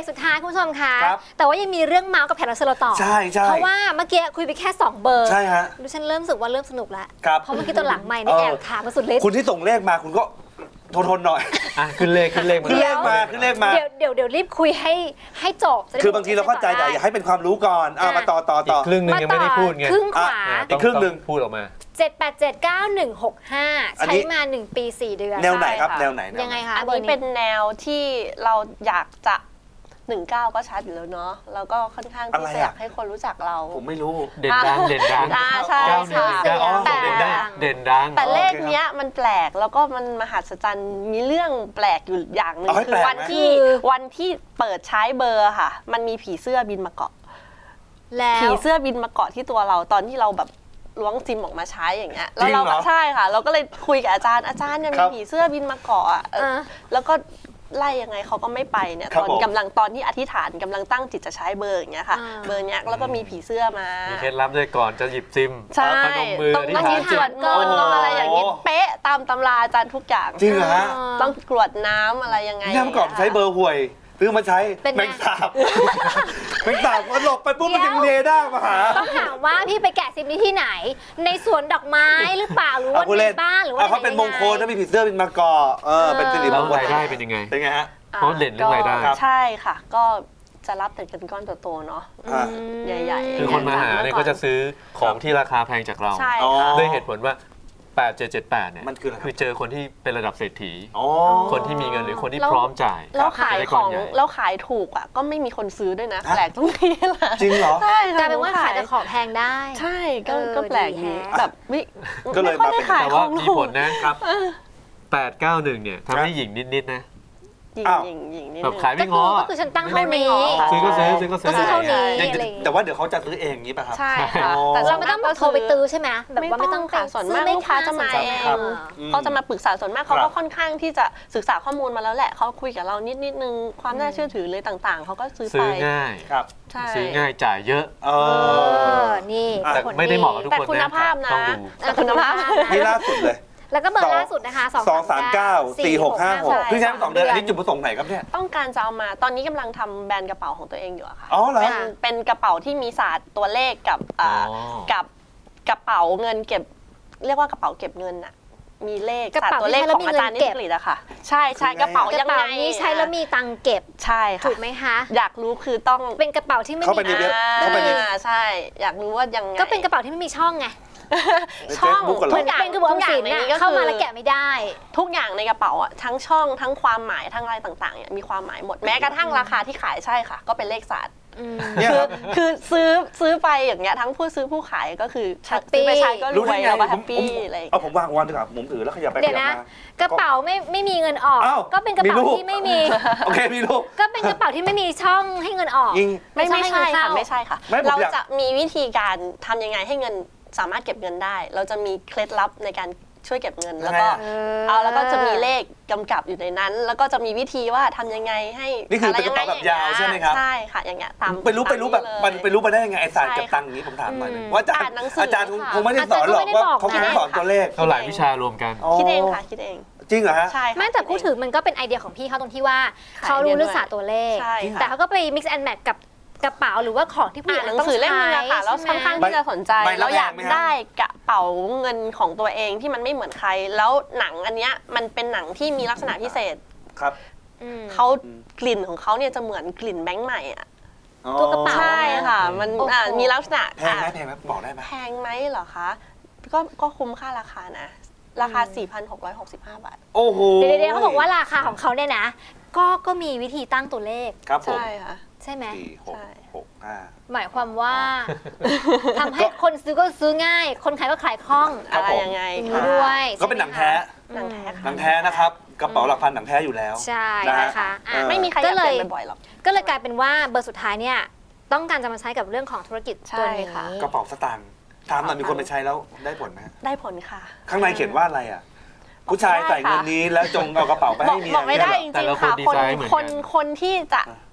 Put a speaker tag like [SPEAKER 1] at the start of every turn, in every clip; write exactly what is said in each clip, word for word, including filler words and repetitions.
[SPEAKER 1] กสุดท้ายคุณผู้ชมคะ
[SPEAKER 2] ครับ
[SPEAKER 1] แต่ว่ายังมีเรื่องเมาส์กับแขกรับเชิญเราต่อ
[SPEAKER 2] ใช่ใช่
[SPEAKER 1] เพราะว่าเมื่อกี้คุยไปแค่สองเบอร์
[SPEAKER 2] ใช่ฮะ
[SPEAKER 1] ดิฉันเริ่มรู้สึกว่าเริ่มสนุกแล้ว
[SPEAKER 2] ครับ
[SPEAKER 1] เพราะเมื่อกี้ตอนหลังไม่นี่
[SPEAKER 2] เออ
[SPEAKER 1] แอบถามมาสุดฤทธิ์
[SPEAKER 2] คุณที่ส่งเลขมาคุณก็ทนทนหน่อย
[SPEAKER 3] อ่ะขึ้นเลขขึ้นเลขมา
[SPEAKER 2] ขึ้นเลขมาขึ้นเลขมา
[SPEAKER 1] เดี๋ยวเดี๋ยวเดี๋ยวรีบคุยให้ให้จบจะได้
[SPEAKER 2] คือบางทีเราเข้าใจแต่อยากให้เป็นความรู้ก่อนอ่ะมาต่อต่อ
[SPEAKER 3] อี
[SPEAKER 2] ต่
[SPEAKER 3] ก
[SPEAKER 2] อ
[SPEAKER 3] ครึ่งหนึงยังไม่ได้พูดไง
[SPEAKER 1] ครึ่งขวา
[SPEAKER 3] อ่ะ
[SPEAKER 2] อีกครึ่งหนึ่ง
[SPEAKER 3] ต้อพูดออกมา
[SPEAKER 1] เจ็ดแปดเจ็ดเก้าหนึ่งหกห้า
[SPEAKER 2] อันนี้
[SPEAKER 1] ใช้มาหนึ่งปีสี่เดือน
[SPEAKER 2] แนวไหนครับ
[SPEAKER 4] ใช่ค่ะ
[SPEAKER 2] แนวไหนแนวหน
[SPEAKER 1] ยังไงคะ
[SPEAKER 4] อัน
[SPEAKER 1] บร์
[SPEAKER 4] นี้เป็นแนวที่เราอยากจะหนึ่งเก้าก็ชัดอยู่แล้วเนาะแล้วก็ค่อนข้างที่จะอยากให้คนรู้จักเรา
[SPEAKER 2] ผมไม่รู้
[SPEAKER 3] เด่นดังเด่นดัง
[SPEAKER 4] อ่าใช่
[SPEAKER 3] เก้าหนึ่ง
[SPEAKER 4] ค่ะ
[SPEAKER 3] เก้าอ๋อ
[SPEAKER 1] แต่
[SPEAKER 3] เด่นดังเด่นดัง
[SPEAKER 4] แต่เลข
[SPEAKER 2] โอเคครับ
[SPEAKER 4] เนี้ยมันแปลกแล้วก็มันมหัศจรรย์มีเรื่องแปลกอยู่อย่างหนึ่ง
[SPEAKER 2] เอาให้
[SPEAKER 4] คื
[SPEAKER 2] แปล
[SPEAKER 4] อก
[SPEAKER 2] ไหม
[SPEAKER 4] วันที่วันที่เปิดใช้เบอร์ค่ะ มันมีผีเสื้อบินมาเกาะ
[SPEAKER 1] แล้ว
[SPEAKER 4] ผีเสื้อบินมาเกาะที่ตัวเราตอนที่เราแบบล้วงซิมออกมาใช้อย่างเงี้ยแล้วเรา
[SPEAKER 2] จริงเหรอ
[SPEAKER 4] ใช่ค่ะ เราก็เลยคุยกับอาจารย์อาจารย์เนี่ย
[SPEAKER 2] ครั
[SPEAKER 4] มี
[SPEAKER 2] บ
[SPEAKER 4] ผีเสื้อบินมาเกาะอะเออ
[SPEAKER 1] อ่ะ
[SPEAKER 4] แล้วก็ไล่ยังไงเขาก็ไม่ไปเนี่ย
[SPEAKER 2] ครับ
[SPEAKER 4] ตอน
[SPEAKER 2] ผม
[SPEAKER 4] กำลังตอนที่อธิษฐานกำลังตั้งจิตจะใช้เบอร์อย่างเงี้ยค่ะ
[SPEAKER 1] อ่า
[SPEAKER 4] เบอร์เนี้ยแล้วก็มีผีเสื้อมา
[SPEAKER 3] มีเคล็ดลับด้วยก่อนจะหยิบซิม
[SPEAKER 4] ใช่
[SPEAKER 3] พนมมือ
[SPEAKER 4] ต้อง
[SPEAKER 3] อธิษ
[SPEAKER 4] ต้อง
[SPEAKER 3] ฐา
[SPEAKER 4] มี
[SPEAKER 3] น
[SPEAKER 4] สวดมนต์ต้องอะไรอย่างงี้
[SPEAKER 2] โอ้
[SPEAKER 4] เป๊ะตามตำราอาจารย์ทุกอย่าง
[SPEAKER 2] จริงเหรอฮะ
[SPEAKER 4] ต้องกรวดน้ำอะไรยังไง
[SPEAKER 2] นี่เมื่อก่อนใช้เบอร์ห่วยซื้อมาใช้
[SPEAKER 1] เป็นไง
[SPEAKER 2] แมงสาบแมงสาบมันหลบไปปุ๊บมัน
[SPEAKER 1] เดี๋
[SPEAKER 2] จะ
[SPEAKER 1] ยว
[SPEAKER 2] เรดาร์มาหา
[SPEAKER 1] ต้องถามว่าพี่ไปแกะซิมนี้ที่ไหน ในสวนดอกไม้หรือเปล่าหรือว่า
[SPEAKER 2] เอาคุณ
[SPEAKER 1] ใน
[SPEAKER 2] เล่น
[SPEAKER 1] บ้านหรือว่า
[SPEAKER 2] เอาเขาเป็นมงคลถ้ามีผีเสื้อเป็นมาเกาะเออเป็นสิริม
[SPEAKER 3] แล้ว
[SPEAKER 2] งคล
[SPEAKER 3] รายได้เป็นยังไง
[SPEAKER 2] เป็นไงฮะ
[SPEAKER 4] อ่
[SPEAKER 3] เพราะเด่นเรื่องรายได้
[SPEAKER 4] ก็ใช่ค่ะ ก็จะรับแต่เงินก้อนโตๆเนาะ
[SPEAKER 2] อ่า
[SPEAKER 4] ใหญ่ๆ
[SPEAKER 3] คือคนมาหาเนี่ยก็จะซื้อของที่ราคาแพงจากเรา
[SPEAKER 4] ใช่
[SPEAKER 2] อ๋อ
[SPEAKER 4] ค่ะ
[SPEAKER 3] ด้วยเหตุผลว่าแปดเจ็ดเจ็ดแปดเนี่ย
[SPEAKER 2] มันคืออะไรครับ
[SPEAKER 3] คือเจอคนที่เป็นระดับเศรษฐี
[SPEAKER 2] อ๋อ
[SPEAKER 3] คนที่มีเงินหรือคนที่
[SPEAKER 4] แล้ว
[SPEAKER 3] พร้อมจ่าย
[SPEAKER 4] แล้วขาย
[SPEAKER 3] จะได้
[SPEAKER 4] ข
[SPEAKER 3] ก้
[SPEAKER 4] อน ง
[SPEAKER 3] ใหญ่
[SPEAKER 4] แล้วขายถูกอ่ะก็ไม่มีคนซื้อด้วยนะ
[SPEAKER 2] ฮะ
[SPEAKER 4] แปลกตรงนี้แหละ
[SPEAKER 2] จริงเหรอ
[SPEAKER 4] ใช่
[SPEAKER 1] กลายเป็นว่าขายแต่ของแพงได้
[SPEAKER 4] ใช่ก็
[SPEAKER 1] เออ
[SPEAKER 4] ก็แปลก
[SPEAKER 1] ดี
[SPEAKER 4] ดี
[SPEAKER 1] แฮะ
[SPEAKER 4] แบบไม่
[SPEAKER 2] ก็เลย
[SPEAKER 4] ไม่ค่อยได้
[SPEAKER 2] มาเป็น
[SPEAKER 4] ขาย
[SPEAKER 3] แต่
[SPEAKER 4] ข
[SPEAKER 3] ว่า
[SPEAKER 4] อง
[SPEAKER 3] มี
[SPEAKER 4] ถู
[SPEAKER 3] ผ
[SPEAKER 4] ก
[SPEAKER 3] ลนะครับแปดเก้าหนึ่งเนี่ยทำให้หญิงนิดๆนะ
[SPEAKER 4] หยิง
[SPEAKER 2] อ้าว
[SPEAKER 4] หยิงหยิงนิด
[SPEAKER 3] แบบ
[SPEAKER 4] นึง
[SPEAKER 3] ขาย
[SPEAKER 1] ก็
[SPEAKER 3] ไม่
[SPEAKER 1] คื
[SPEAKER 3] ง้อ
[SPEAKER 1] อก็คือฉันตั้งเท่า
[SPEAKER 4] ไม่
[SPEAKER 1] นี้
[SPEAKER 4] ง้อค่ะ
[SPEAKER 3] ซื้อก็ซื้อซื้อก็ซื้
[SPEAKER 1] ก็ซื้อเท่านี้
[SPEAKER 2] ยัง
[SPEAKER 1] อะไรอย่างเงี้ย
[SPEAKER 2] แต่ว่าเดี๋ยวเขาจะซื้อเองอย่างนี้ป่ะครับ
[SPEAKER 4] ใช่ค่ะ
[SPEAKER 2] อ๋อ
[SPEAKER 4] แต่
[SPEAKER 1] เราไม่ต้องโทรไปตื้อใช่ไหมแบบว่าไม่ต้อง
[SPEAKER 4] ค่ะ
[SPEAKER 1] ไป
[SPEAKER 4] ส่วน
[SPEAKER 1] ซื้
[SPEAKER 4] มาก
[SPEAKER 1] ไม่
[SPEAKER 4] ลูกค้าจะมา
[SPEAKER 1] สนใจ
[SPEAKER 4] เอง
[SPEAKER 1] ครับ
[SPEAKER 4] เขาจะมาปรึกษาส่วนมากเขา
[SPEAKER 2] ครั
[SPEAKER 4] ก็
[SPEAKER 2] บ
[SPEAKER 4] ค่อนข้างที่จะศึกษาข้อมูลมาแล้วแหละเขาคุยกับเรานิดนิดนึงความน่าเชื่อถือเลยต่างๆเขาก็ซื้อ
[SPEAKER 3] ซื้
[SPEAKER 4] ไป
[SPEAKER 3] อง่าย
[SPEAKER 2] ครับ
[SPEAKER 4] ใช่
[SPEAKER 3] ซื้อง่ายจ่ายเยอะ
[SPEAKER 2] เอ
[SPEAKER 1] เอ
[SPEAKER 2] อ
[SPEAKER 1] อ นี่
[SPEAKER 3] แต่
[SPEAKER 1] ผล
[SPEAKER 3] ไม่ได้เหมาะกับทุก
[SPEAKER 4] แต่
[SPEAKER 3] คน
[SPEAKER 4] คุณ
[SPEAKER 3] นะ
[SPEAKER 4] ภาพนะ
[SPEAKER 3] ต้องดู
[SPEAKER 4] แต่คุณภาพ
[SPEAKER 2] นี่ล่าสุดเลย
[SPEAKER 1] แล้วก็เบอร์ล่าสุดนะคะ
[SPEAKER 2] สองสามเก้าสี่หกห้าหก
[SPEAKER 4] ใช่
[SPEAKER 2] เพิ่งใช้มาสองเดือนอันนี้จุดประสงค์ไหนครับเนี่ย
[SPEAKER 4] ต้องการจะเอามาตอนนี้กำลังทำแบรนด์กระเป๋าของตัวเองอยู่อะค่ะ
[SPEAKER 2] อ๋อเหรอ
[SPEAKER 4] เป็นเป็นกระเป๋าที่มีศาสตร์ตัวเลขกับอ่า
[SPEAKER 3] อ๋อ
[SPEAKER 4] กับกระเป๋าเงินเก็บ เรียกว่ากระเป๋าเก็บเงินอะมีเลข
[SPEAKER 1] กระ
[SPEAKER 4] ศาสต
[SPEAKER 1] เป๋า
[SPEAKER 4] ร์ตัวเลข
[SPEAKER 1] ที่ใช้แล้ว
[SPEAKER 4] ของอาจารย์
[SPEAKER 1] มี
[SPEAKER 4] นิ
[SPEAKER 1] เงินเก็
[SPEAKER 4] ส
[SPEAKER 1] บ
[SPEAKER 4] กฤตอะค่ะ ใช่ใช่
[SPEAKER 2] คือไง
[SPEAKER 4] กระเป๋าก
[SPEAKER 1] ระ
[SPEAKER 4] ยังไง
[SPEAKER 1] เป๋านี้ใช้แล้วมีตังค์เก็บ
[SPEAKER 4] ใช่ค่ะ
[SPEAKER 1] ถูกไหมคะ
[SPEAKER 4] อยากรู้คือต้อง
[SPEAKER 1] เป็นกระเป๋าที่ไม่
[SPEAKER 2] เข้าไป
[SPEAKER 1] มี
[SPEAKER 2] ในเว็บ
[SPEAKER 4] อ่
[SPEAKER 2] เข้าไปใน
[SPEAKER 4] าใช่ อยากรู้ว่ายังไง
[SPEAKER 1] ก็เป็นกระเป๋าที่ไม่มีช่องไง
[SPEAKER 4] ช่อง
[SPEAKER 2] Facebook เหรอ
[SPEAKER 1] เหมือนเป็นกระเป๋าออมสิน
[SPEAKER 4] ใน
[SPEAKER 1] น่ะ
[SPEAKER 4] นี้ก็
[SPEAKER 1] เข้ามา
[SPEAKER 4] คือ
[SPEAKER 1] แล้วแกะไม่ได้
[SPEAKER 4] ทุกอย่างในกระเป๋าอะทั้งช่องทั้งความหมายทั้งอะไรต่างๆเนี่ยมีความหมายหมดแม้กระทั่งราคาที่ขายใช่ค่ะ ก็เป็นเลขศาสตร์
[SPEAKER 1] อืม
[SPEAKER 2] เนี่ย
[SPEAKER 4] คื
[SPEAKER 2] ค
[SPEAKER 4] อ
[SPEAKER 2] รับ
[SPEAKER 4] คือซื้อซื้อไปอย่างเงี้ยทั้งผู้ซื้อผู้ขายก็คือ
[SPEAKER 1] แฮปปี้
[SPEAKER 4] ซื้อไปใช้ก็ร
[SPEAKER 2] รู้
[SPEAKER 4] ว
[SPEAKER 2] ได้
[SPEAKER 4] ย
[SPEAKER 2] ไง
[SPEAKER 4] แล้วก็
[SPEAKER 2] ผ
[SPEAKER 4] แฮ
[SPEAKER 2] ม
[SPEAKER 4] ป
[SPEAKER 2] ผม
[SPEAKER 4] ปี้อะไรอย่าง
[SPEAKER 2] เอา
[SPEAKER 4] เงี้ย
[SPEAKER 2] ผมวางวันดีกว่าผมถือแล้วขยับไปข
[SPEAKER 1] เดี๋ยว
[SPEAKER 2] ยับ
[SPEAKER 1] นะ
[SPEAKER 2] มาก
[SPEAKER 1] ระเป๋าไม่ไม่มีเงินออก
[SPEAKER 2] อ้าว
[SPEAKER 1] ก็เป็นกระเป๋า
[SPEAKER 2] มีรูป
[SPEAKER 1] ที่ไม่มี
[SPEAKER 2] โอเคพี่ลูก
[SPEAKER 1] ก็เป็นกระเป๋าที่ไม่มีช่องให้เงินออก
[SPEAKER 2] ยิง
[SPEAKER 4] ไม่ไม่ใช่
[SPEAKER 1] ให้เงิน
[SPEAKER 4] ค่ะ
[SPEAKER 1] เข้า
[SPEAKER 4] ไม่ใช่ค่ะ
[SPEAKER 2] ไม่ผม
[SPEAKER 4] เรา
[SPEAKER 2] อยาก
[SPEAKER 4] จะมีวิธีการทำยังไงให้เงินสามารถเก็บเงินได้ เราจะมีเคล็ดลับในการช่วยเก็บเงิน แล้วก็
[SPEAKER 1] เออ
[SPEAKER 4] เอาแล้วก็จะมีเลขกำกับอยู่ในนั้น แล้วก็จะมีวิธีว่าทำยังไงให้
[SPEAKER 2] นี่คือเป็นกระ
[SPEAKER 4] ไร
[SPEAKER 2] เป๋าแบบยาวใช่ไหมครับ
[SPEAKER 4] ใช่ค่ะอย่างเงี้ยตาม
[SPEAKER 2] ไปรู้ไปรู้แบบ
[SPEAKER 4] ตา
[SPEAKER 2] มัน
[SPEAKER 4] เลย
[SPEAKER 2] ไปรู้มาได้ยังไงไอ้ศาสตร์
[SPEAKER 4] ใช่
[SPEAKER 2] เก็บตังค์อย่างนี้ผมถามหน่อยหนึ่ง
[SPEAKER 1] อืม
[SPEAKER 2] ว่าอาจาร
[SPEAKER 4] อ่าน
[SPEAKER 2] ย์
[SPEAKER 4] หนังสือ
[SPEAKER 2] อาจารย์คง
[SPEAKER 4] ค่ะ
[SPEAKER 2] คงไม่ได้สอนหรอก
[SPEAKER 1] อาจารย์ก็ไม่ได้
[SPEAKER 2] ว่า
[SPEAKER 1] บอก
[SPEAKER 2] เขาคง
[SPEAKER 1] นะ
[SPEAKER 2] สอนตัวเลข
[SPEAKER 3] เอาหลายวิชารวมกัน
[SPEAKER 4] คิดเองค่ะคิดเอง
[SPEAKER 2] จริงเหรอฮะ
[SPEAKER 4] ใช่ค่ะ
[SPEAKER 1] ไม่แต่
[SPEAKER 4] คิ
[SPEAKER 1] พูด
[SPEAKER 4] เอง
[SPEAKER 1] ถึงมันก็เป็นไอเดียของพี่เขาตรงที่ว่า
[SPEAKER 4] ขาย
[SPEAKER 1] เขารู้
[SPEAKER 4] ไอเดีย
[SPEAKER 1] เรื่องศาสตร์ตัวเลข
[SPEAKER 4] ใช่ค่ะ
[SPEAKER 1] แต่เขาก็ไป mix and match กับกระเป๋าหรือว่าของที่ผู้ห
[SPEAKER 4] อ่า
[SPEAKER 1] ญิง
[SPEAKER 4] นหนัง
[SPEAKER 1] ต้อง
[SPEAKER 4] สือเล่ม
[SPEAKER 1] ใช้
[SPEAKER 4] นึงอะค่ะแล้ว
[SPEAKER 1] ใช่
[SPEAKER 4] ค่อน
[SPEAKER 1] ไหม
[SPEAKER 4] ข้างที่จะสนใจ
[SPEAKER 2] ใบละ
[SPEAKER 4] เราอยาก
[SPEAKER 2] แพงไหมฮะ
[SPEAKER 4] ได้กระเป๋าเงินของตัวเองที่มันไม่เหมือนใคร แล้วหนังอันเนี้ยมันเป็นหนังที่มีลักษณะพิเศษ
[SPEAKER 2] ครับ
[SPEAKER 1] อืม
[SPEAKER 4] เขากลิ่นของเขาเนี่ยจะเหมือนกลิ่นแบงค์ใหม่อะ
[SPEAKER 1] ตัวกระเป๋า
[SPEAKER 4] ใช่ค่ะ มัน
[SPEAKER 1] โอ้โห
[SPEAKER 4] อ่ามีลักษณะ
[SPEAKER 2] แพงไหม
[SPEAKER 4] อ่ะ
[SPEAKER 2] แพงไหมบอกได้ไหม
[SPEAKER 4] แพงไหมเหรอคะก็ก็คุ้มค่าราคานะ ราคา สี่พันหกร้อยหกสิบห้า บาท
[SPEAKER 2] โอ้โห
[SPEAKER 1] เดี๋ยวเดี๋ยวเขาบอกว่าราคาของเขาเนี่ยนะ ก็ก็มีวิธีตั้งตัวเลข
[SPEAKER 2] ครับผม
[SPEAKER 4] ใช่ค่ะ
[SPEAKER 1] ใช่ไหม
[SPEAKER 2] สี่หก
[SPEAKER 4] ใช่
[SPEAKER 2] หกห้า
[SPEAKER 1] หมายความว่าทำให้คนซื้อก็ซื้อง่าย คนขายก็ขายคล่อง
[SPEAKER 2] ครั
[SPEAKER 4] อะ
[SPEAKER 2] บ
[SPEAKER 4] ไร
[SPEAKER 2] ผม
[SPEAKER 4] ยังไง
[SPEAKER 1] อย่าง
[SPEAKER 4] ค่ะ
[SPEAKER 1] นี้ด้วย
[SPEAKER 2] ก็เป็นหนังแท้
[SPEAKER 4] หนังแท้
[SPEAKER 2] หนั
[SPEAKER 4] ค่ะ
[SPEAKER 2] งแท้นะครับกระเป๋าหลักพันหนังแท้อยู่แล้ว
[SPEAKER 1] ใช่
[SPEAKER 2] นะฮะ
[SPEAKER 1] นะคะอ่ะ
[SPEAKER 2] เออ
[SPEAKER 4] ไม่มีใครอยากเปลี่ยนบ่อยๆหรอก
[SPEAKER 1] ก็เลยกลายเป็นว่าเบอร์สุดท้ายเนี่ยต้องการจะมาใช้กับเรื่องของธุรกิจตัวนี้
[SPEAKER 4] ใช่ค่ะ
[SPEAKER 2] กระเป๋าสตางค์ถามหน่อยมีคนไปใช้แล้วได้ผลไหมฮะ
[SPEAKER 4] ได้ผลค่ะ
[SPEAKER 2] ข้างในเขียนว่าอะไรอ่ะ ผู้ชายใส่เงินนี้แล้วจงเอากระเป๋าไป
[SPEAKER 4] บอ
[SPEAKER 2] ให้
[SPEAKER 4] ก
[SPEAKER 2] เมีย
[SPEAKER 4] บอกไม่ได้
[SPEAKER 2] เนี่ย
[SPEAKER 4] จ
[SPEAKER 2] เหรอ
[SPEAKER 4] ริงๆค่ะ
[SPEAKER 3] แต่ละคนดี
[SPEAKER 4] คน
[SPEAKER 3] ไซน์เหมือนกัน
[SPEAKER 4] คนคนที่จะ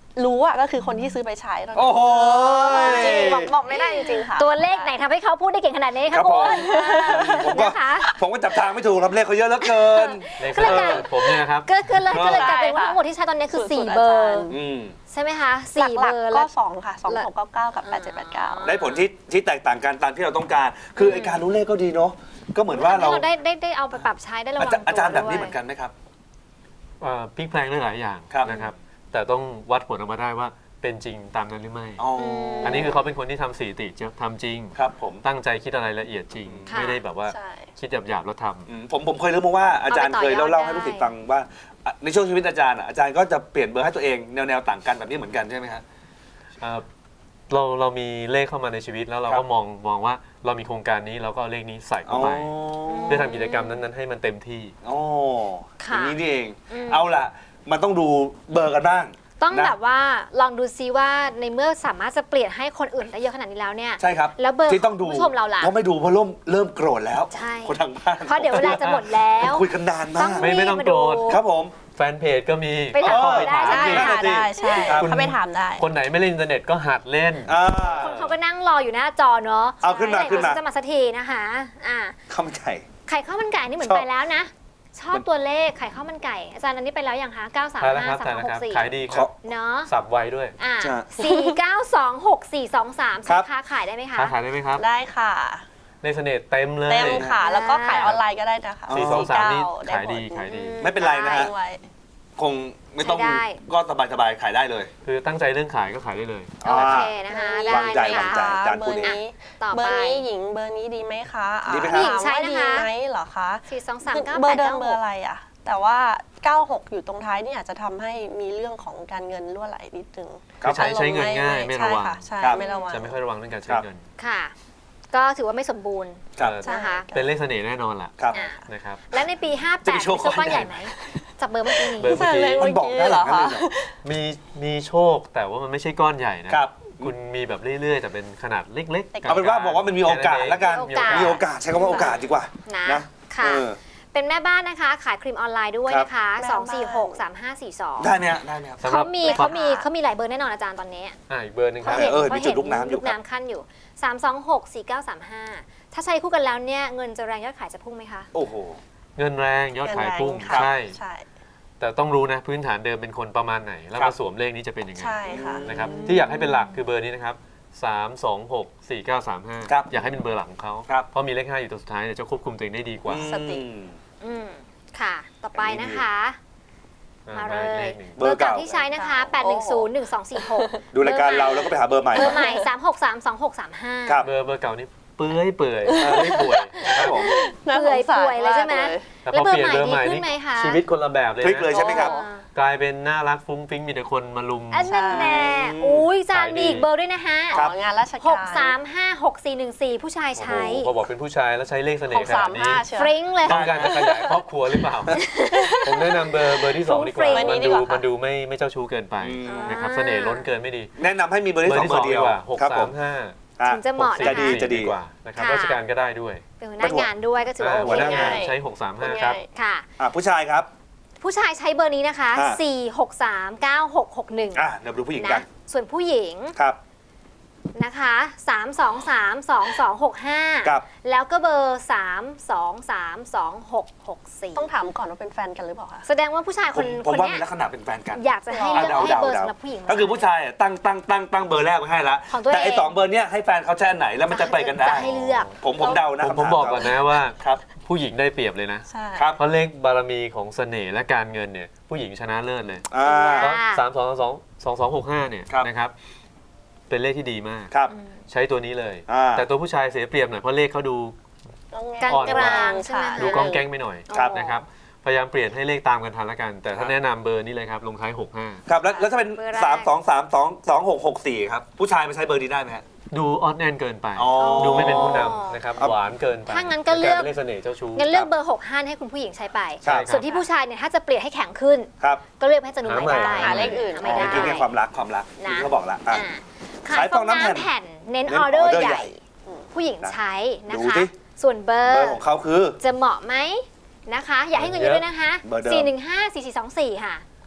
[SPEAKER 4] รู้อะก็คือคนที่ซื้อไปใช้เท่านั้น
[SPEAKER 2] โอ้โห
[SPEAKER 4] จริงบอกบอกไม่ได้จริงๆค่ะ
[SPEAKER 1] ตัวเลขไหนทำให้เขาพูดได้เก่งขนาดนี้
[SPEAKER 2] ครั
[SPEAKER 1] คะ
[SPEAKER 2] บผม
[SPEAKER 1] คุณ
[SPEAKER 2] ผมก็
[SPEAKER 1] นะคะ
[SPEAKER 2] ผมก็จับทางไม่ถูกครับเลขเขาเยอะเหลือเกิน
[SPEAKER 3] เลข
[SPEAKER 1] ก็เลยกลาย
[SPEAKER 3] ผมเนี่ยนะครับ
[SPEAKER 1] ก็ก็เลยก็เลยกลายเป็น
[SPEAKER 4] ใช่
[SPEAKER 1] ว่า
[SPEAKER 4] ค่ะ
[SPEAKER 1] ทั้งหมดที่ใช้ตอนนี้คือ
[SPEAKER 4] สู
[SPEAKER 1] สี่
[SPEAKER 4] ตร
[SPEAKER 1] เบอ
[SPEAKER 4] อาจาร
[SPEAKER 1] ร์
[SPEAKER 4] ย์
[SPEAKER 2] อืม
[SPEAKER 1] ใช่ไหมคะ
[SPEAKER 4] ห
[SPEAKER 1] สี่เบ
[SPEAKER 4] ลัก
[SPEAKER 1] อร์
[SPEAKER 4] ๆ
[SPEAKER 1] แล้
[SPEAKER 4] ก็
[SPEAKER 1] ว
[SPEAKER 4] สองค่ะสองหกเก้าเก้ากับแปดเจ็ดแปดเก้า
[SPEAKER 2] ได้ผลที่ที่แตกต่างกันตามที่เราต้องการ คือไอการรู้เลขก็ดีเนาะก็เหมือนว่าเรา
[SPEAKER 1] ให้เราได้ได้ได้เอาไปปรับใช้ได้ระวั
[SPEAKER 2] อาง จารย์อาจารย์
[SPEAKER 1] ตัว
[SPEAKER 2] แบบนี้
[SPEAKER 1] ด้วย
[SPEAKER 2] เหมือนกันไหมครับ
[SPEAKER 3] เอ่อพลิกแพลงได้หลายอย่าง
[SPEAKER 2] ครับ
[SPEAKER 3] นะครับ แต่ต้องวัดผลออกมาได้ว่าเป็นจริงตามนั้นหรือไม่
[SPEAKER 2] อ๋อ
[SPEAKER 3] อันนี้คือเขาเป็นคนที่ทำสถิติจะทำจริง
[SPEAKER 2] ครับผม
[SPEAKER 3] ตั้งใจคิดอะไรละเอียดจริง
[SPEAKER 1] ค่ะ
[SPEAKER 3] ไม่ได้แบบว่า
[SPEAKER 4] ใช่
[SPEAKER 3] คิดหยาบๆแล้วทำ
[SPEAKER 2] อืมผมผมเคยรู้มาว่าอาจารย์
[SPEAKER 1] เอาไป
[SPEAKER 2] เคย
[SPEAKER 1] ต่อยอด
[SPEAKER 2] เล่าเล่าให้
[SPEAKER 1] ได้
[SPEAKER 2] ลูกศิษย์ฟังว่าอ่ะในช่วงชีวิตอาจารย์อ่ะอาจารย์ก็จะเปลี่ยนเบอร์ให้ตัวเองแนวแนวต่างกันแบบนี้เหมือนกันใช่ไหมครับ
[SPEAKER 3] เอ่อเราเรามีเลขเข้ามาในชีวิตแล้วเรา
[SPEAKER 2] ครั
[SPEAKER 3] ก็
[SPEAKER 2] บ
[SPEAKER 3] มองมองว่าเรามีโครงการนี้เราก็เอาเลขนี้ใส่เข้าไป
[SPEAKER 2] อ๋อ
[SPEAKER 3] เพื่อทำกิจกรรมนั้นๆให้มันเต็มที่
[SPEAKER 2] อ๋ออ
[SPEAKER 1] ค่ะ
[SPEAKER 2] ย่างนี้นี่เอง
[SPEAKER 1] อืม
[SPEAKER 2] เอาล่ะ มันต้องดูเบอร์กันบ้าง
[SPEAKER 1] ต้อง
[SPEAKER 2] นะ
[SPEAKER 1] แบบว่าลองดูซิว่าในเมื่อสามารถจะเปลี่ยนให้คนอื่นได้เยอะขนาดนี้แล้วเนี่ย
[SPEAKER 2] ใช่ครับ
[SPEAKER 1] แล้วเบอร์
[SPEAKER 2] ที่ต้องดู
[SPEAKER 1] ของผู้ชมเราล่ะ
[SPEAKER 2] เพราะไม่ดูเพราะเริ่มเริ่มโกรธแล้ว
[SPEAKER 1] ใช่
[SPEAKER 2] คนทางบ้าน
[SPEAKER 1] เพราะเดี๋ยวเวลาจะหมดแล้ว
[SPEAKER 2] คุยกันนานมา
[SPEAKER 1] ต้อง
[SPEAKER 2] ก
[SPEAKER 3] ไม่ไม่ต้องโกรธ
[SPEAKER 1] รีบมา
[SPEAKER 2] ครับผม
[SPEAKER 3] แฟนเพจก็มี
[SPEAKER 1] ไปถาม
[SPEAKER 3] เข้าไป
[SPEAKER 1] ได้
[SPEAKER 3] ถาม
[SPEAKER 1] ใช่
[SPEAKER 3] สิ
[SPEAKER 2] นั่น
[SPEAKER 4] ค่ะ
[SPEAKER 2] น่ะสิ
[SPEAKER 4] ได้ใช่
[SPEAKER 2] ครับ
[SPEAKER 4] เขาไปถามได้
[SPEAKER 3] คนไหนไม่เล่นอินเทอร์เน็ตก็หัดเล่น
[SPEAKER 2] อ่า
[SPEAKER 1] คนเขาก็นั่งรออยู่หน้าจอเนาะ
[SPEAKER 2] เอาขึ้นมา
[SPEAKER 1] ใช่
[SPEAKER 2] ขึ้นมา
[SPEAKER 1] เดี๋ยวจะมาสักทีนะคะอ่า
[SPEAKER 2] ข้าวมันไก่
[SPEAKER 1] ไข่ข้าวมันไก่นี่เหมือน
[SPEAKER 2] ชอบ
[SPEAKER 1] ไปแล้วนะ ชอบตัวเลขไข่ข้าวมันไก่ อาจารย์อันนี้ไปแล้วยังคะเก้าสาม
[SPEAKER 3] ใช่แล้วค
[SPEAKER 1] ห้า
[SPEAKER 3] รับ
[SPEAKER 1] สา
[SPEAKER 3] ใช่
[SPEAKER 1] ม
[SPEAKER 3] แล้ว
[SPEAKER 1] ห
[SPEAKER 3] ครั
[SPEAKER 1] ก
[SPEAKER 3] บ
[SPEAKER 1] สี่
[SPEAKER 3] ขายดีครับ
[SPEAKER 1] เนาะ
[SPEAKER 3] สับไวด้วย
[SPEAKER 1] อ่า
[SPEAKER 2] จ้ะ
[SPEAKER 1] สี่เก้าสองหกสี่สองสาม
[SPEAKER 2] ครับ
[SPEAKER 1] ค้าขายได้ไหมคะ
[SPEAKER 3] ค้าขายได้ไหมครับ
[SPEAKER 4] ได้ค่ะ
[SPEAKER 3] ในเสน่ห์เต็มเลย
[SPEAKER 4] เต็มค่ะ แล้วก็ขายออนไลน์ก็ได้นะคะ
[SPEAKER 2] อ๋อ
[SPEAKER 3] สี่สองสามนี่
[SPEAKER 4] ได้
[SPEAKER 3] ขายดี
[SPEAKER 4] หม
[SPEAKER 3] ขายดี
[SPEAKER 2] ไม่เป็นไรนะฮะ
[SPEAKER 4] ทิ้งไว้
[SPEAKER 2] คงไม่ต้อง
[SPEAKER 1] ใช้ได้
[SPEAKER 2] ก็สบายสบายๆขายได้เลย
[SPEAKER 3] คือตั้งใจเรื่องขายก็ขายได้เลย
[SPEAKER 1] โอเคนะคะ ได้
[SPEAKER 2] วางใจ
[SPEAKER 1] ไหม
[SPEAKER 2] วางใจ
[SPEAKER 1] คะ
[SPEAKER 2] อาจารย์
[SPEAKER 4] เบ
[SPEAKER 2] พู
[SPEAKER 4] อ
[SPEAKER 2] ด
[SPEAKER 4] ร์
[SPEAKER 2] เอง
[SPEAKER 4] นี้
[SPEAKER 1] ต่อ
[SPEAKER 4] เบอ
[SPEAKER 1] ไป
[SPEAKER 4] ร์นี้หญิงเบอร์นี้ดีไหมคะอ่า
[SPEAKER 2] ดีไหมครับ
[SPEAKER 1] ผู้หญิงใช้
[SPEAKER 4] ถามว่า
[SPEAKER 1] นะคะ
[SPEAKER 4] ดีไหมเหรอคะ
[SPEAKER 1] สี่สองสาม
[SPEAKER 4] คือ
[SPEAKER 1] เก้า
[SPEAKER 4] เบ
[SPEAKER 1] แป
[SPEAKER 4] อ
[SPEAKER 1] ด
[SPEAKER 4] ร์เดิม
[SPEAKER 1] เก้า
[SPEAKER 4] เบ
[SPEAKER 1] ห
[SPEAKER 4] อร์
[SPEAKER 1] ก
[SPEAKER 4] อะไรอะแต่ว่าเก้าหกอยู่ตรงท้ายนี่อาจจะทำให้มีเรื่องของการเงินรั่วไหลนิดนึง
[SPEAKER 3] คือใช้ใช้เงินง่ายไม่ระวัง
[SPEAKER 4] ใช่ค่ะใช่
[SPEAKER 2] ครับ
[SPEAKER 4] ไม่ระวัง
[SPEAKER 3] จะไม่ค่อยระวังเรื่องการใช้
[SPEAKER 2] ครับ
[SPEAKER 3] เงิน
[SPEAKER 1] ค่ะ ก็ถือว่าไม่สมบูรณ์
[SPEAKER 2] ครับ
[SPEAKER 3] เอ่อ
[SPEAKER 4] ใช่
[SPEAKER 1] นะคะ
[SPEAKER 3] เป็นเลขเสน่ห์แน่นอนล่ะ
[SPEAKER 2] ครับ
[SPEAKER 1] อ่ะ
[SPEAKER 3] นะครับ
[SPEAKER 1] และในปี ห้าแป
[SPEAKER 2] จะ
[SPEAKER 1] ด
[SPEAKER 2] ไป
[SPEAKER 1] มี
[SPEAKER 2] โชว์
[SPEAKER 1] โชคก้อน
[SPEAKER 2] ก้อนให
[SPEAKER 1] ให
[SPEAKER 2] ญ่
[SPEAKER 1] ญ่ไหมจับเบอร์เมื่อกี้นี้
[SPEAKER 3] เบอร์
[SPEAKER 4] ใช่เลย
[SPEAKER 2] มันบอกได้หรอครับเลยเหรอ
[SPEAKER 3] มีมีโชคแต่ว่ามันไม่ใช่ก้อนใหญ่นะครับ คุณมีแบบเรื่อยๆ แต่เป็นขนาดเล็กๆ
[SPEAKER 2] เอาเป็นว่าบอกว่ามันมีโอกาสแล้วกัน
[SPEAKER 1] มีโอกาส
[SPEAKER 2] มีโอกาสใช้คำว่าโอกาสดีกว่า
[SPEAKER 1] นะ
[SPEAKER 2] นะ
[SPEAKER 1] ค่ะ
[SPEAKER 2] เออ
[SPEAKER 1] เป็นแม่บ้านนะคะ ขายครีมออนไลน์ด้วย
[SPEAKER 2] ครับ
[SPEAKER 1] นะคะ
[SPEAKER 4] แม่
[SPEAKER 1] ส
[SPEAKER 4] บ้า
[SPEAKER 1] อน ง สี่ หก สาม ห้า สี่ สอง
[SPEAKER 2] ได้ไหมฮะได้ไหมครับ
[SPEAKER 3] สำหรั
[SPEAKER 1] เขา
[SPEAKER 3] บ
[SPEAKER 1] มีเขามีเขามีหลายเบอร์แน่นอนอาจารย์ตอนนี้
[SPEAKER 3] อ่าอีกเบอร์หนึงค
[SPEAKER 1] เขา
[SPEAKER 3] รับ
[SPEAKER 1] เห็น
[SPEAKER 2] เออ
[SPEAKER 1] เขา
[SPEAKER 2] มีจุ
[SPEAKER 1] เห็
[SPEAKER 2] ด
[SPEAKER 1] น
[SPEAKER 2] ลูกน้ำอยู่
[SPEAKER 1] ลูกน้ำขั้นอยู่ สาม สอง หก สี่ เก้า สาม ห้า ถ้าใช้คู่กันแล้วเนี่ยเงินจะแรงยอดขายจะพุ่งไหมคะ
[SPEAKER 2] โอ้โห
[SPEAKER 3] เงินแรงยอดขายพุ่ง
[SPEAKER 4] ค่ะ
[SPEAKER 3] ใช่
[SPEAKER 4] ใช่
[SPEAKER 3] แต่ต้องรู้นะพื้นฐานเดิมเป็นคนประมาณไหน แล้ว
[SPEAKER 2] ครั
[SPEAKER 3] มา
[SPEAKER 2] บ
[SPEAKER 3] สวมเลขนี้จะเป็นยังไง
[SPEAKER 4] ใช่ค่ะ
[SPEAKER 3] นะครับที่อยากให้เป็นหลักคือเบอร์นี้นะครับสาม สอง หก สี่ เก้า สาม ห้า
[SPEAKER 2] ครับ
[SPEAKER 3] อยากให้เป็นเบอร์หลักของเขา
[SPEAKER 2] ครับ
[SPEAKER 3] เพราะมีเลขห้าอยู่ตัวสุดท้ายเนี่ยจะควบคุมตัวเองได้ดีกว่า
[SPEAKER 4] สติ
[SPEAKER 2] อืม
[SPEAKER 1] อืมค่ะ ต่อไปนะคะ
[SPEAKER 3] อ่
[SPEAKER 1] มา
[SPEAKER 3] มา
[SPEAKER 1] เล
[SPEAKER 3] อีกเลย ขหนึ่ง
[SPEAKER 2] เบอร์เก่า
[SPEAKER 1] ที่ใช้นะคะ แปด หนึ่ง ศูนย์ หนึ่ง สอง สี่ หก
[SPEAKER 2] ดูรายการเราแล้วก็ไปหาเบอร์ใหม่
[SPEAKER 1] เบอร์ใหม่ สาม หก สาม สอง หก สาม ห้า
[SPEAKER 2] ครับ
[SPEAKER 3] เบอร์เบอร์เก่านี่เปื่อยเปื่อยไม่ป่วย
[SPEAKER 2] ครับผม
[SPEAKER 4] น่าส
[SPEAKER 1] เปื่อย
[SPEAKER 4] งสาร
[SPEAKER 1] ป่วยเลยใช่ไหม
[SPEAKER 4] าก
[SPEAKER 3] แต่
[SPEAKER 1] แล้ว
[SPEAKER 3] พอ
[SPEAKER 1] เบอ
[SPEAKER 3] เป
[SPEAKER 1] ร์
[SPEAKER 3] ลี่ยน
[SPEAKER 1] ใหม่
[SPEAKER 3] เบอร์ใหม่
[SPEAKER 1] ดีขึ้นไหม
[SPEAKER 3] นี่
[SPEAKER 1] คะ
[SPEAKER 3] ชีวิตคนละแบบเลย
[SPEAKER 2] พลิกเลย
[SPEAKER 3] นะ
[SPEAKER 2] ใช่ไหมครับ
[SPEAKER 3] กลายเป็นน่ารักฟุ้งฟิ้งมีแต่คนมาลุม
[SPEAKER 1] อันนั้นแน่อุ้ยจานมีอีกเบอร์ด้วยนะฮะ
[SPEAKER 2] ครับ
[SPEAKER 4] อ๋องานราชการ
[SPEAKER 1] หก สาม ห้า หก สี่ หนึ่ง สี่ ผู้ชาย
[SPEAKER 3] โอ้โห
[SPEAKER 1] ใช้
[SPEAKER 3] พอบอกเป็นผู้ชายแล้วใช้เลขเสน่
[SPEAKER 4] ห
[SPEAKER 3] ห์
[SPEAKER 4] ก
[SPEAKER 3] ข
[SPEAKER 4] สา
[SPEAKER 3] นาด
[SPEAKER 4] ม
[SPEAKER 3] นี้
[SPEAKER 4] ห้าเชียว
[SPEAKER 1] ฟริ้งเลย
[SPEAKER 3] ต้องการจะขยายครอบครัวหรือเปล่า ผมแนะนำเบอร์เบอร์ที่สองดีกว่า
[SPEAKER 1] ฟุ้งฟริ้ง
[SPEAKER 3] มันดู
[SPEAKER 4] ดีกว่าค่ะ
[SPEAKER 3] มันดูไม่ไม่เจ้าชู้เกินไป
[SPEAKER 2] อืม
[SPEAKER 3] นะครับเสน่ห์ล้นเกินไม่ดี
[SPEAKER 2] แนะนำให้มีเบอร์ที่สองเบอร์เดียว
[SPEAKER 3] กว่าหก
[SPEAKER 2] ครับ
[SPEAKER 3] สา
[SPEAKER 2] ผม
[SPEAKER 3] มห้า
[SPEAKER 2] อ่ะ
[SPEAKER 1] ถึงจะเหมาะ
[SPEAKER 3] หกสี่
[SPEAKER 1] นะคะ
[SPEAKER 2] จะดีจะดี
[SPEAKER 3] กว่านะครับ
[SPEAKER 1] ค่ะ
[SPEAKER 3] ราชการก็ได้ด้วย
[SPEAKER 1] เป็นหัวหน้างานด้วยก็ถือว่า
[SPEAKER 3] อ่า
[SPEAKER 1] โอ
[SPEAKER 3] หัว
[SPEAKER 1] เค
[SPEAKER 3] หน้างาน
[SPEAKER 4] ง่าย
[SPEAKER 3] ใช้หกสามห้าครับ
[SPEAKER 4] ง่าย
[SPEAKER 1] ค่ะ
[SPEAKER 2] อ่ะผู้ชายครับ
[SPEAKER 1] ผู้ชายใช้เบอร์นี้นะคะ
[SPEAKER 2] อ่า
[SPEAKER 1] สี่ หก สาม เก้า หก หก หนึ่ง
[SPEAKER 2] อ่ะเดี๋ยวดูผู้หญิงกั
[SPEAKER 1] นะ
[SPEAKER 2] น
[SPEAKER 1] ส่วนผู้หญิง
[SPEAKER 2] ครับ
[SPEAKER 1] นะคะ สาม สอง สาม สอง สอง หก ห้า
[SPEAKER 2] ครับ
[SPEAKER 1] แล้วก็เบอร์ สาม สอง สาม สอง หก หก สี่
[SPEAKER 4] ต้องถามก่อนว่าเป็นแฟนกันหรือเปล่าคะ
[SPEAKER 1] แสดงว่าผู้ชาย
[SPEAKER 2] ผ
[SPEAKER 1] คน
[SPEAKER 2] ม
[SPEAKER 1] ค
[SPEAKER 2] ผม
[SPEAKER 1] น
[SPEAKER 2] ว่า
[SPEAKER 1] เนี้
[SPEAKER 2] มี
[SPEAKER 1] ย
[SPEAKER 2] ลักษณะเป็นแฟนกัน
[SPEAKER 1] อยากจะให้เลือก
[SPEAKER 2] เดา
[SPEAKER 1] ให้เบอร์
[SPEAKER 2] เดา
[SPEAKER 1] สำหรับผู้หญิง
[SPEAKER 2] ก็คือผู้ชายอ่ะตั้งตั้งตั้งตั้งเบอร์แรกไว้ให้แล้ว
[SPEAKER 1] ของตัวเอง
[SPEAKER 2] แต่ไอ้สองเบอร์เนี้ยให้แฟนเขาใช้อันไหนแล้วมันจะไปกันได้
[SPEAKER 1] จะให้เลือก
[SPEAKER 2] ผมผมเดานะ
[SPEAKER 3] ผม
[SPEAKER 2] คำ
[SPEAKER 3] ผม
[SPEAKER 2] ถา
[SPEAKER 3] บอกก่อนนะว่า
[SPEAKER 2] ครับ
[SPEAKER 3] ผู้หญิงได้เปรียบเลยนะ
[SPEAKER 4] ใช่
[SPEAKER 2] ครับ
[SPEAKER 3] เพราะเลขบารมีของเสน่ห์และการเงินเนี่ยผู้หญิงชนะเลิศเลย
[SPEAKER 2] อ่า
[SPEAKER 3] เพราะสามสองสองสองสองหกห้าเนี่ย
[SPEAKER 2] ครับ
[SPEAKER 3] นะครับ เป็นเลขที่ดีมาก
[SPEAKER 2] ครับ
[SPEAKER 3] ใช้ตัวนี้เลย
[SPEAKER 2] อ่า
[SPEAKER 3] แต่ตัวผู้ชายเสียเปรียบหน่อยเพราะเลขเขาดู
[SPEAKER 1] กลาง
[SPEAKER 3] อ่อน
[SPEAKER 1] ก
[SPEAKER 3] กว่า
[SPEAKER 1] ลางๆใช่ไหม
[SPEAKER 3] ดู
[SPEAKER 1] คะ
[SPEAKER 3] ก้องแก้งไม่หน่อย
[SPEAKER 2] ครับ
[SPEAKER 3] นะครับพยายามเปลี่ยนให้เลขตามกันทันละกัน แต่ถ้า
[SPEAKER 2] ครับ
[SPEAKER 3] แนะนำเบอร์นี้เลยครับ ลงท้ายหกห้า
[SPEAKER 2] ครับแล้วแล้วถ้าเป็น
[SPEAKER 1] เบอร์แรก
[SPEAKER 2] สามสองสามสองสองหกหกสี่ครับผู้ชายมาใช้เบอร์นี้ได้ไหมฮะ
[SPEAKER 3] ดูออนแอนเกินไป
[SPEAKER 2] อ๋อ
[SPEAKER 3] ดูไม่เป็นผู้นำนะครับ
[SPEAKER 2] ครับ
[SPEAKER 3] หวานเกินไป
[SPEAKER 1] ถ้างั้นก็เลือก
[SPEAKER 3] ป็นารเป็นเลขเสน่ห์เจ้าชู้
[SPEAKER 1] งั้นเลือกเบอร์ หก ห้า ให้คุณผู้หญิงใช้ไป
[SPEAKER 2] ครับ
[SPEAKER 1] ส่วนที่ผู้ชายเนี่ยถ้าจะเปลี่ยนให้แข็งขึ้น
[SPEAKER 2] ครับ
[SPEAKER 1] ก็เลือกให้จะหนุ่มใหม่ได้
[SPEAKER 4] หาเลขอื่น
[SPEAKER 1] หา
[SPEAKER 2] อ๋
[SPEAKER 1] ไม่
[SPEAKER 2] อ
[SPEAKER 1] ได้
[SPEAKER 2] เมื่อกี้ไงความรักความรัก
[SPEAKER 1] นะ
[SPEAKER 2] ที่เขาบอกละอ่ะ
[SPEAKER 1] อ่า
[SPEAKER 2] ขา
[SPEAKER 1] ขาย ย
[SPEAKER 2] ฟ
[SPEAKER 1] ฟ
[SPEAKER 2] อ
[SPEAKER 1] อง ง
[SPEAKER 2] น้ำ
[SPEAKER 1] น้ำ
[SPEAKER 2] แผ่
[SPEAKER 1] แผ่
[SPEAKER 2] น
[SPEAKER 1] น เน้น
[SPEAKER 2] เน้น
[SPEAKER 1] ออเดอ
[SPEAKER 2] อ
[SPEAKER 1] ร์
[SPEAKER 2] อเดอร์
[SPEAKER 1] ให
[SPEAKER 2] ใหญ่
[SPEAKER 1] ญ่ ผู้หญิงใช้นะ
[SPEAKER 2] ดู
[SPEAKER 1] คะ
[SPEAKER 2] สิ
[SPEAKER 1] ส่วนเบอ
[SPEAKER 2] เบอ
[SPEAKER 1] ร์
[SPEAKER 2] ร์ของเขาคือ
[SPEAKER 1] จะเหมาะไหมนะคะ อย่าให้เงินเยอะด้วยนะคะ
[SPEAKER 2] เบอร์เดิม
[SPEAKER 1] สี่ หนึ่ง ห้า สี่ สี่ สอง สี่ ค่ะ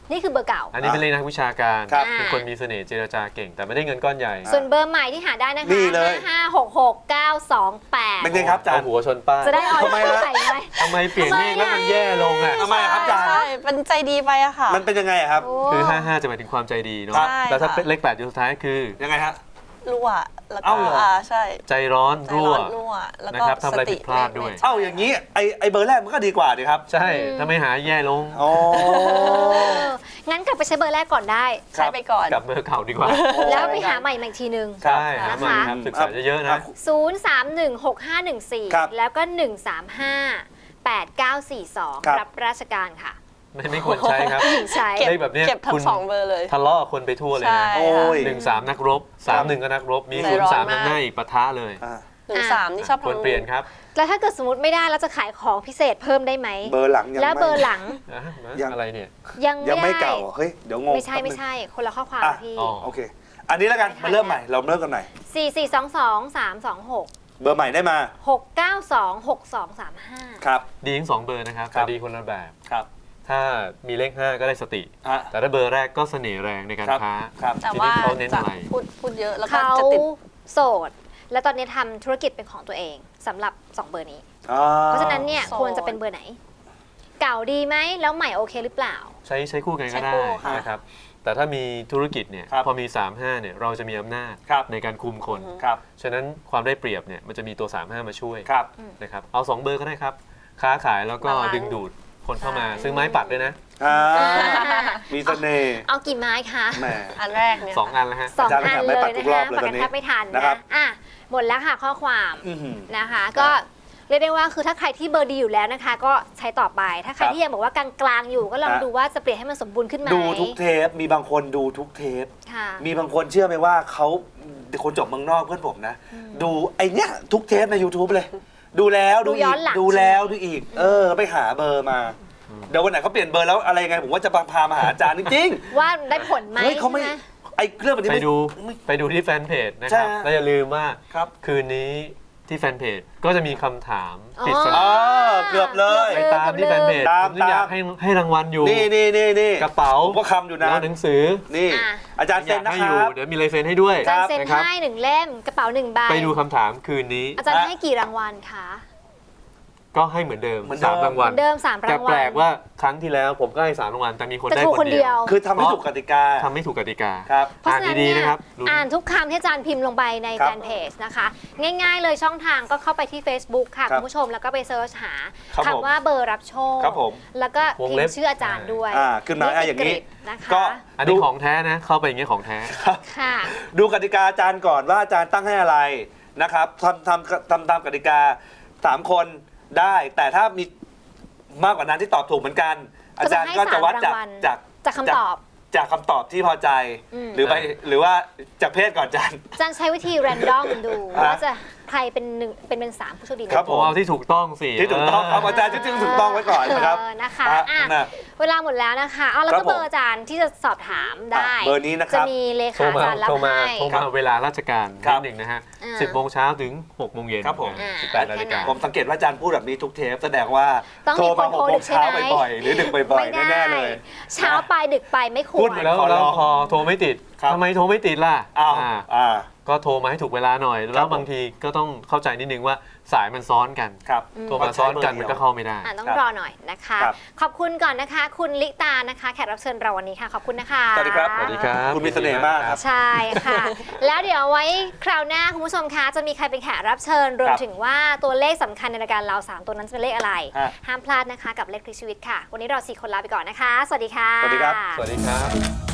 [SPEAKER 1] นี่คือเบอร์เก่า
[SPEAKER 3] อันนี้เป็นเลขนักวิชาการ
[SPEAKER 2] ครับ
[SPEAKER 3] เป็นคนมีเสน่ห์เจรจาเก่ง แต่ไม่ได้เงินก้อนใหญ่
[SPEAKER 1] ส่วนเบอร์ใหม่ที่หาได้นะคะ
[SPEAKER 2] นี่เลย
[SPEAKER 1] ห้าหกหกเก้าสองแปด
[SPEAKER 2] เป็นไงครับอาจาร
[SPEAKER 3] เอา
[SPEAKER 2] ย์
[SPEAKER 3] หัวชนป้าย
[SPEAKER 1] จะได้ออย
[SPEAKER 2] ทำไมล่ะ
[SPEAKER 1] ใส่ไหม
[SPEAKER 3] ทำไมเปลี่ยนเลขแล้วมันแย่ลงอ่ะ
[SPEAKER 2] ทำไมอะครับอาจารย์
[SPEAKER 4] ใช่มันใจดีไปอะค่ะ
[SPEAKER 2] มันเป็นยังไงอะครับ
[SPEAKER 1] โอ้
[SPEAKER 3] คือ ห้าห้า จะหมายถึงความใจดีเนาะ
[SPEAKER 2] ครับ
[SPEAKER 3] แล้วถ้า
[SPEAKER 4] ใช่ค่ะ
[SPEAKER 3] เป็นเลขแปดอยู่สุดท้ายคือ
[SPEAKER 2] ยังไงฮะ
[SPEAKER 4] รั่วแล้วก็
[SPEAKER 2] เอ้าเหรอ
[SPEAKER 4] อ่าใช่
[SPEAKER 3] ใจร้อน
[SPEAKER 4] ใจ
[SPEAKER 3] รั่
[SPEAKER 4] ร้
[SPEAKER 3] ว
[SPEAKER 4] อนรั่วแล้ว
[SPEAKER 3] นะ
[SPEAKER 4] ก็
[SPEAKER 3] ครับทำอะไร
[SPEAKER 4] สติ
[SPEAKER 3] ผิดพลาดด้วย
[SPEAKER 4] ไม่
[SPEAKER 2] เอ้าอย่างนี้ไอไอเบอร์แรกมันก็ดีกว่าดีครับ
[SPEAKER 3] ใช่ถ้าไม่หาแย่ลง
[SPEAKER 2] โอ้
[SPEAKER 1] เอองั้นกลับไปใช้เบอร์แรกก่อนได้
[SPEAKER 4] ใช้ไปก่อน
[SPEAKER 3] กลับเบอร์เก่าดีกว่า
[SPEAKER 1] แล้วไปหาใหม่มาอีกทีนึง
[SPEAKER 2] ครับ
[SPEAKER 3] ใช่หาใหม่ครับศึกษาเยอะๆนะ
[SPEAKER 1] ศูนย์ สาม หนึ่ง หก ห้า หนึ่ง สี่
[SPEAKER 2] ครับ
[SPEAKER 1] แล้วก็ หนึ่ง สาม ห้า แปด เก้า สี่ สอง
[SPEAKER 2] ครับ
[SPEAKER 1] รับราชการค่ะ
[SPEAKER 3] ไม่ไม่ควรใช้ครับ
[SPEAKER 1] ผู้หญิงใช้
[SPEAKER 4] เก็บ
[SPEAKER 3] เลขแบบเนี้ย
[SPEAKER 4] เก็บทั้
[SPEAKER 3] คุ
[SPEAKER 4] ง
[SPEAKER 3] ณ
[SPEAKER 4] สองเบอร์เลย
[SPEAKER 3] ทะเลาะกับคนไปทั่วเลย
[SPEAKER 4] ใช่
[SPEAKER 3] นะ
[SPEAKER 2] โอ้ย
[SPEAKER 3] หนึ่งสามนักรบสามหนึ่งก็นักรบมี
[SPEAKER 4] ใจ
[SPEAKER 3] ศูน
[SPEAKER 4] ร้
[SPEAKER 3] ย์
[SPEAKER 4] อน
[SPEAKER 3] สาม
[SPEAKER 4] มาก
[SPEAKER 3] นำหน้าอีกปะทะเลย
[SPEAKER 2] อ่ะ
[SPEAKER 4] หนึ่งสามนี่ชอบ
[SPEAKER 3] ควร
[SPEAKER 4] ทำ
[SPEAKER 3] เปลี่ยนครับ
[SPEAKER 1] แล้วถ้าเกิดสมมติไม่ได้เราจะขายของพิเศษเพิ่มได้ไหม
[SPEAKER 2] เบอร์หลังยัง
[SPEAKER 1] แล้ว
[SPEAKER 2] ไม่
[SPEAKER 1] เบอร์หลัง
[SPEAKER 3] อ่ะ
[SPEAKER 2] ยัง
[SPEAKER 3] อะไรเนี่ย
[SPEAKER 1] ยัง
[SPEAKER 2] ยัง
[SPEAKER 1] ไม่
[SPEAKER 2] ไม่
[SPEAKER 1] ได้
[SPEAKER 2] เก่าเฮ้ยเดี๋ยวงง
[SPEAKER 1] ไม่ใช่
[SPEAKER 2] แป๊บนึ
[SPEAKER 1] ไม่
[SPEAKER 2] ง
[SPEAKER 1] ใช่คนละข้อความ
[SPEAKER 2] อ่ะ
[SPEAKER 1] พี่
[SPEAKER 3] อ๋อ
[SPEAKER 2] โอเค อันนี้แล้วกันมาเริ่มใหม่เราเริ่มกันใหม่
[SPEAKER 1] สี่ สี่ สอง สอง สาม สอง หก
[SPEAKER 2] เบอร์ใหม่ได้มา
[SPEAKER 1] หก เก้า สอง หก สอง สาม ห้า
[SPEAKER 2] ครับ
[SPEAKER 3] ดีทั้งสองเบอร์นะครับ
[SPEAKER 2] ครั
[SPEAKER 3] แต่
[SPEAKER 2] บ
[SPEAKER 3] ดีคนละแบบ
[SPEAKER 2] ครับ
[SPEAKER 3] ถ้ามีเลขห้าก็ได้สติ
[SPEAKER 2] ฮะ
[SPEAKER 3] แต่ถ้าเบอร์แรกก็เสน่ห์แรงในการ
[SPEAKER 2] ครับ
[SPEAKER 3] ค้า
[SPEAKER 2] ครับ
[SPEAKER 4] แต่ว่า
[SPEAKER 3] ทีนี้เขาเน้น
[SPEAKER 4] จะ
[SPEAKER 3] อะไร
[SPEAKER 4] พูดพูดเยอะแล้วก็
[SPEAKER 1] เขา
[SPEAKER 4] จะติด
[SPEAKER 1] โสด และตอนนี้ทำธุรกิจเป็นของตัวเองสำหรับสองเบอร์นี้
[SPEAKER 2] อ่
[SPEAKER 1] เพราะฉะนั้นเนี่ย
[SPEAKER 4] โสด
[SPEAKER 1] ควรจะเป็นเบอร์ไหน เก่าดีไหมแล้วใหม่โอเคหรือเปล่า
[SPEAKER 3] ใช้ใช้คู่กันก็
[SPEAKER 4] ใช้
[SPEAKER 3] ได้
[SPEAKER 4] คู่ค่ะ
[SPEAKER 3] นะครับ แต่ถ้ามีธุรกิจเนี่ย
[SPEAKER 2] ครับ
[SPEAKER 3] พอมีสามห้าเนี่ยเราจะมีอำนาจ
[SPEAKER 2] ครับ
[SPEAKER 3] ในการคุมคน
[SPEAKER 2] ครับ
[SPEAKER 3] ฉะนั้นความได้เปรียบเนี่ยมันจะมีตัวสามห้ามาช่วย
[SPEAKER 2] ครับ
[SPEAKER 3] นะครับเอาสองเบอร์ก็ได้ครับ ค้าขายแล้วก็
[SPEAKER 4] บาลานซ์
[SPEAKER 3] ดึงดูดคนเข้ามา
[SPEAKER 1] ใช่
[SPEAKER 3] ซื้อไม้ปัดด้วยนะ
[SPEAKER 2] อ่ามีเสน่ห์
[SPEAKER 1] เอากี่ไม้คะ
[SPEAKER 2] แหม
[SPEAKER 4] อันแรกเนี่ย
[SPEAKER 3] สองอันแล้วฮะ
[SPEAKER 1] สอง
[SPEAKER 2] อาจารย์
[SPEAKER 1] อัน
[SPEAKER 2] ไม่
[SPEAKER 1] เล
[SPEAKER 2] ปั
[SPEAKER 1] ย
[SPEAKER 2] ดทุ
[SPEAKER 1] นะ
[SPEAKER 2] กรอ
[SPEAKER 1] คะ
[SPEAKER 2] บเลย
[SPEAKER 1] ปัด
[SPEAKER 2] ตอ
[SPEAKER 1] กัน น
[SPEAKER 2] นี้
[SPEAKER 1] แทบไม่ทัน
[SPEAKER 2] นะครั
[SPEAKER 1] นะ
[SPEAKER 2] บ
[SPEAKER 1] อ่ะหมดแล้วค่ะข้อความ
[SPEAKER 2] อื้อหือ
[SPEAKER 1] นะคะ ก็เรียกได้ว่าคือถ้าใครที่เบอร์ดีอยู่แล้วนะคะ ก็ใช้ต่อไป ถ้าใคร
[SPEAKER 2] ครับ
[SPEAKER 1] ที่ยังบอกว่ากลางๆอยู่ก็ลอง
[SPEAKER 2] ฮะ
[SPEAKER 1] ดูว่าจะเปลี่ยนให้มันสมบูรณ์ขึ้นไหม
[SPEAKER 2] ดูทุกเทป มีบางคนดูทุกเทป
[SPEAKER 1] ค่ะ
[SPEAKER 2] มีบางคนเชื่อไหมว่าเขาคนจบเมืองนอกเพื่อนผมนะ ดูไอเนี้ยทุกเทปใน YouTube เลย ดูแล้วดู
[SPEAKER 1] ดู
[SPEAKER 2] อี
[SPEAKER 1] ย้อก นหลัง
[SPEAKER 2] ดูแล้วดูอีก เออ ไปหาเบอร์มา เดี๋ยววันไหนเขาเปลี่ยนเบอร์แล้วอะไรไง ผมว่าจะพาพามาหาอาจารย์จริง
[SPEAKER 1] ว่าได้ผลไหม
[SPEAKER 2] ๆเฮ้ยเขาไม่
[SPEAKER 1] ใช่ห
[SPEAKER 2] ไอเครื่องแบบนี้
[SPEAKER 3] ไป
[SPEAKER 2] ไม่
[SPEAKER 3] ดู
[SPEAKER 2] ไม่
[SPEAKER 3] ไปดูที่แฟนเพจนะ
[SPEAKER 2] ใช่
[SPEAKER 3] ครับ
[SPEAKER 2] ฮะ
[SPEAKER 3] แล้วอย่าลืมว่า
[SPEAKER 2] ครับ
[SPEAKER 3] คืนนี้ที่แฟนเพจก็จะมีคำถามปริศ
[SPEAKER 2] อ๋
[SPEAKER 3] นา
[SPEAKER 2] อเกือบเลย
[SPEAKER 3] ไปตามที่แฟนเพจ
[SPEAKER 2] ตาม
[SPEAKER 3] ผมถึงอยาก
[SPEAKER 2] ตาม
[SPEAKER 3] ให้ให้รางวัลอยู่
[SPEAKER 2] นี่นี่นี่นี่
[SPEAKER 3] กระเป๋า
[SPEAKER 2] ผมก็คำอยู่นะ
[SPEAKER 3] แล้วหนังสือ
[SPEAKER 2] นี่
[SPEAKER 1] อ่ะ
[SPEAKER 2] อาจารย์
[SPEAKER 3] อ
[SPEAKER 2] เซ็
[SPEAKER 3] ยาน ก
[SPEAKER 2] นะ
[SPEAKER 3] ให้
[SPEAKER 2] ค
[SPEAKER 3] อยู่
[SPEAKER 2] รับ
[SPEAKER 3] เดี๋ยวมีลายเซ็นให้ด้วย
[SPEAKER 1] อาจารย์เซ็น
[SPEAKER 3] นะครับ
[SPEAKER 1] ให้หนึ่งเล่มกระเป๋าหนึ่งใบ
[SPEAKER 3] ไปดูคำถามคืนนี้
[SPEAKER 1] อาจารย์ให้กี่รางวัลคะ
[SPEAKER 3] ก็ให้เหมือนเดิม
[SPEAKER 2] เหมือนเดิม
[SPEAKER 3] สามรางวัล
[SPEAKER 1] เดิมสาม
[SPEAKER 3] แต่
[SPEAKER 1] รางวัล
[SPEAKER 3] แปลกว่าครั้งที่แล้วผมก็ให้สามรางวัลแต่มีคน
[SPEAKER 1] แต่
[SPEAKER 3] ได้
[SPEAKER 1] ถูก
[SPEAKER 3] ค
[SPEAKER 1] คน
[SPEAKER 3] น
[SPEAKER 1] เดี
[SPEAKER 3] เดี
[SPEAKER 1] ย
[SPEAKER 3] ยว ว
[SPEAKER 2] คือทำให้ถูกกติกา
[SPEAKER 3] ทำไม่ถูกกติกา
[SPEAKER 2] ครับ
[SPEAKER 1] เพราะ
[SPEAKER 3] อ่าน
[SPEAKER 1] ฉะนั้น
[SPEAKER 3] ดี
[SPEAKER 1] เนี่ย
[SPEAKER 3] ๆนะครับลุ้น
[SPEAKER 1] อ่านทุกคำที่อาจารย์พิมพ์ลงไปใน
[SPEAKER 2] ครับ
[SPEAKER 1] แฟนเพจนะคะ ง่ายๆเลยช่องทางก็เข้าไปที่ Facebook ค่ะ
[SPEAKER 2] ครับ
[SPEAKER 1] คุณผู้ชมแล้วก็ไปเซิร์ชหา
[SPEAKER 2] ครับผม
[SPEAKER 1] คำว่าเบอร์รับโชค
[SPEAKER 2] ครับผม
[SPEAKER 1] แล้วก็
[SPEAKER 3] วง
[SPEAKER 1] พิม
[SPEAKER 3] เล็บ
[SPEAKER 1] พ์ชื่ออาจารย์ด้วย
[SPEAKER 2] อ่าขึ้นมาอ่ะอย่างนี้
[SPEAKER 1] นี้นะคะ
[SPEAKER 2] ก็
[SPEAKER 3] อันนี้ของแท้นะ เข้าไปอย่างเงี้ยของแท้
[SPEAKER 1] ค่ะ
[SPEAKER 2] ดูกติกาอาจารย์ก่อนว่าอาจารย์ตั้งให้อะไรนะครับทำทำทำตามกติกาสามคนได้ แต่ถ้ามีมากกว่านั้นที่ตอบถูกเหมือนกัน อาจารย์ก็จะวัดจากจาก
[SPEAKER 1] จากคำตอบ
[SPEAKER 2] จากคำตอบที่พอใจ
[SPEAKER 1] อืม
[SPEAKER 2] หรือไปหรือว่าจากเพศก่อนอาจารย์
[SPEAKER 1] อาจารย์ใช้วิธีแรนดอมดู
[SPEAKER 2] อ่ะ
[SPEAKER 1] ว่าจะใครเป็นหนึ่งเป็นเป็นสามผู้โชคดี
[SPEAKER 2] ครับ
[SPEAKER 3] ผมเอาที่ถูกต้องสิ
[SPEAKER 2] ที่ถูกต้องครับอาจารย์ที่ถูกต้องไว้ก่อนนะครับ
[SPEAKER 1] เออนะคะ
[SPEAKER 2] อ่ะ
[SPEAKER 1] อ่ะ
[SPEAKER 2] นะ
[SPEAKER 1] เวลาหมดแล้วนะคะเอาแล้ว
[SPEAKER 2] ครั
[SPEAKER 1] ก็
[SPEAKER 2] บผม
[SPEAKER 1] เบอร์อาจารย์ที่จะสอบถามได้
[SPEAKER 2] อ่ะเบอร์นี้นะค
[SPEAKER 1] จะ
[SPEAKER 2] รับ
[SPEAKER 1] มีเล
[SPEAKER 3] โทร
[SPEAKER 1] ขา
[SPEAKER 3] มา
[SPEAKER 1] อาจารย์รับ
[SPEAKER 3] โทรมา
[SPEAKER 1] ให้
[SPEAKER 3] โทรมาเวลาราชการ
[SPEAKER 2] ครั
[SPEAKER 3] นิ
[SPEAKER 2] บ
[SPEAKER 3] ดหนึ่งนะฮะ
[SPEAKER 1] อ่า
[SPEAKER 3] สิบโมงเช้าถึงหกโมงเย็น
[SPEAKER 2] ครับผม
[SPEAKER 3] อ่าสิบแปดนาฬิกา
[SPEAKER 2] ผมสังเกตว่าอาจารย์พูดแบบนี้ทุกเทปแสดงว่า
[SPEAKER 1] ต้อง
[SPEAKER 2] โทร
[SPEAKER 1] มีค
[SPEAKER 2] มาน ห
[SPEAKER 1] โท
[SPEAKER 2] ก
[SPEAKER 1] ร
[SPEAKER 2] โม
[SPEAKER 1] ดึ
[SPEAKER 2] ง
[SPEAKER 1] กใช่
[SPEAKER 2] เช้า
[SPEAKER 1] ไหม
[SPEAKER 2] บ่อยๆหรือดึกบ่อย
[SPEAKER 1] ไม่
[SPEAKER 2] ๆ
[SPEAKER 1] ได้
[SPEAKER 2] แน่ๆเลย
[SPEAKER 1] เช้าไปดึกไปไม่คว
[SPEAKER 2] พู
[SPEAKER 1] ร
[SPEAKER 2] ดเหมือน
[SPEAKER 3] แล้ว
[SPEAKER 2] ขอร้
[SPEAKER 3] แล้ว
[SPEAKER 2] อง
[SPEAKER 3] พอโทรไม่ติด
[SPEAKER 2] ครับ
[SPEAKER 3] ทำไมโทรไม่ติดล่ะ
[SPEAKER 2] อ้าว
[SPEAKER 3] อ่า
[SPEAKER 2] อ่า
[SPEAKER 3] ก็โทรมาให้ถูกเวลาหน่อย
[SPEAKER 2] ครั
[SPEAKER 3] แล้
[SPEAKER 2] บ
[SPEAKER 3] วบางทีก็ต้องเข้าใจนิดนึงว่าสายมันซ้อนกัน
[SPEAKER 2] ครับ
[SPEAKER 3] โทรมาซ้อนกันมันก็เข้าไม่ได้
[SPEAKER 1] อ่ะต้อง
[SPEAKER 2] ครับ
[SPEAKER 1] รอหน่อยนะคะ
[SPEAKER 2] ครับ
[SPEAKER 1] ขอบคุณก่อนนะคะ คุณลิตานะคะ แขกรับเชิญเราวันนี้ค่ะ ขอบคุณนะคะ
[SPEAKER 2] สวัสดีครับ
[SPEAKER 3] สวัสดีครับ
[SPEAKER 2] คุณมีเสน่ห์มากครับ
[SPEAKER 1] ใช่ค่ะ แล้วเดี๋ยวไว้คราวหน้าคุณผู้ชมคะจะมีใครเป็นแขกรับเชิญ รวม
[SPEAKER 2] ครับ
[SPEAKER 1] ถึงว่าตัวเลขสำคัญในรายการเราสามตัวนั้นจะเป็นเลขอะไร
[SPEAKER 2] ฮะ
[SPEAKER 1] ห้ามพลาดนะคะกับเลขคลิกชีวิตค่ะ วันนี้เราสี่คนลาไปก่อนนะคะ สวัสดีค่ะ
[SPEAKER 2] สวัสดีครับ
[SPEAKER 3] สวัสดีครับ